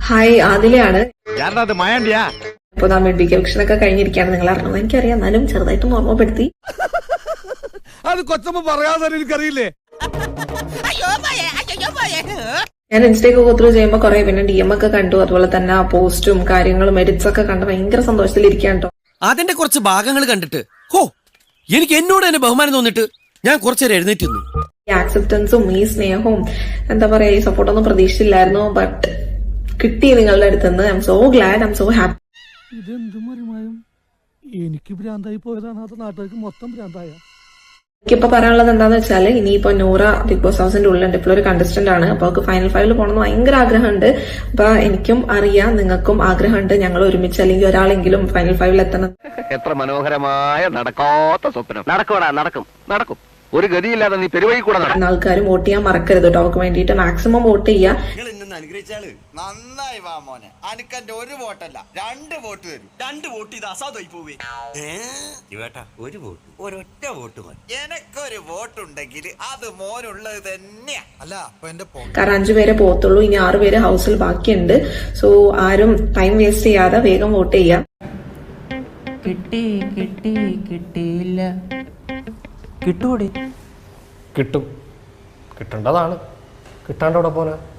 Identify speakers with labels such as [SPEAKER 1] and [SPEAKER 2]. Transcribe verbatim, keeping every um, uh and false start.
[SPEAKER 1] Hi, ആദിലയാണ്. ഇപ്പൊ നാ mid week election ഒക്കെ കഴിഞ്ഞിരിക്കുകയാണ്. നിങ്ങൾ അറിഞ്ഞത് എനിക്കറിയാം, എന്നാലും ചെറുതായിട്ടൊന്ന് ഓർമ്മപ്പെടുത്തി.
[SPEAKER 2] അത് കൊച്ചമ്മ പറയാതെ എനിക്കറിയില്ലേ.
[SPEAKER 1] ഞാൻ ഇൻസ്റ്റയൊക്കെ ഗോത്രൂ ചെയ്യുമ്പോൾ കുറെ പിന്നെ ഡി എം ഒക്കെ കണ്ടു. അതുപോലെ തന്നെ പോസ്റ്റും കാര്യങ്ങളും എഡിറ്റ്സ് ഒക്കെ കണ്ട് ഭയങ്കര സന്തോഷത്തിലിരിക്കാൻ കേട്ടോ.
[SPEAKER 3] അതിന്റെ കുറച്ച് ഭാഗങ്ങൾ കണ്ടിട്ട് ഹോ എനിക്ക് എന്നോട് തന്നെ ബഹുമാനം തോന്നിട്ട് ഞാൻ കുറച്ചേരം എഴുന്നേറ്റ് നിന്നു.
[SPEAKER 1] ഈ ആക്സെപ്റ്റൻസും ഈ സ്നേഹവും എന്താ പറയാ ഈ സപ്പോർട്ടൊന്നും പ്രതീക്ഷിച്ചില്ലായിരുന്നു. ബട്ട് കിട്ടി നിങ്ങളുടെ അടുത്തുനിന്ന്. I am so glad, I am so happy.
[SPEAKER 2] ഇതെന്ത് മറിമായും എനിക്ക് ഭ്രാന്തായി പോയതാണ്, അത് നാട്ടുകാർക്ക് മൊത്തം ഭ്രാന്തായ.
[SPEAKER 1] എനിക്കിപ്പോ പറയാനുള്ളത് എന്താന്ന് വെച്ചാൽ, ഇനിയിപ്പോ നൂറ ബിഗ് ബോസ് ഹൗസിന്റെ ഉള്ളുണ്ട്. ഇപ്പോൾ ഒരു കണ്ടസ്റ്റന്റ് ആണ്. അപ്പൊ അവർക്ക് ഫൈനൽ ഫൈവിൽ പോകണമെന്ന് ഭയങ്കര ആഗ്രഹമുണ്ട്. അപ്പൊ എനിക്കും അറിയാം നിങ്ങൾക്കും ആഗ്രഹമുണ്ട് ഞങ്ങൾ ഒരുമിച്ച് അല്ലെങ്കിൽ ഒരാളെങ്കിലും ഫൈനൽ ഫൈവിൽ എത്തണം.
[SPEAKER 4] എത്ര മനോഹരമായ നടക്കാത്ത സ്വപ്നം. നടക്കൂടാ, നടക്കും നടക്കും ഒരു ഗതിയില്ലാതെ നീ പെരുവഴി കൂടെ നടക്കും.
[SPEAKER 1] ആൾക്കാരും വോട്ട് ചെയ്യാൻ മറക്കരുത് കേട്ടോ. അവർക്ക് വേണ്ടിയിട്ട് മാക്സിമം വോട്ട് ചെയ്യുക.
[SPEAKER 5] നന്നായി വാ മോനെ, അനക്കന്റെ ഒരു വോട്ടല്ല രണ്ട് വോട്ട് തരും. രണ്ട് വോട്ട് ഇത് അസാധുമായി പോവേ. ഒരു വോട്ട് ഒരൊറ്റ വോട്ട് മതി. എനക്കൊരു വോട്ടുണ്ടെങ്കിൽ അത് മോനുള്ളത് തന്നെയാ. അല്ല അപ്പൊ എന്റെ
[SPEAKER 1] കാരണം അഞ്ചു പേരെ പോകത്തുള്ളൂ. ഇനി ആറു പേര് ഹൗസിൽ ബാക്കിയുണ്ട്. സോ ആരും ടൈം വേസ്റ്റ് ചെയ്യാതെ വേഗം വോട്ട് ചെയ്യാം.
[SPEAKER 6] കിട്ടി കിട്ടി കിട്ടിയില്ല. കിട്ടൂടി
[SPEAKER 7] കിട്ടും, കിട്ടേണ്ടതാണ്. കിട്ടാണ്ടോടെ പോലെ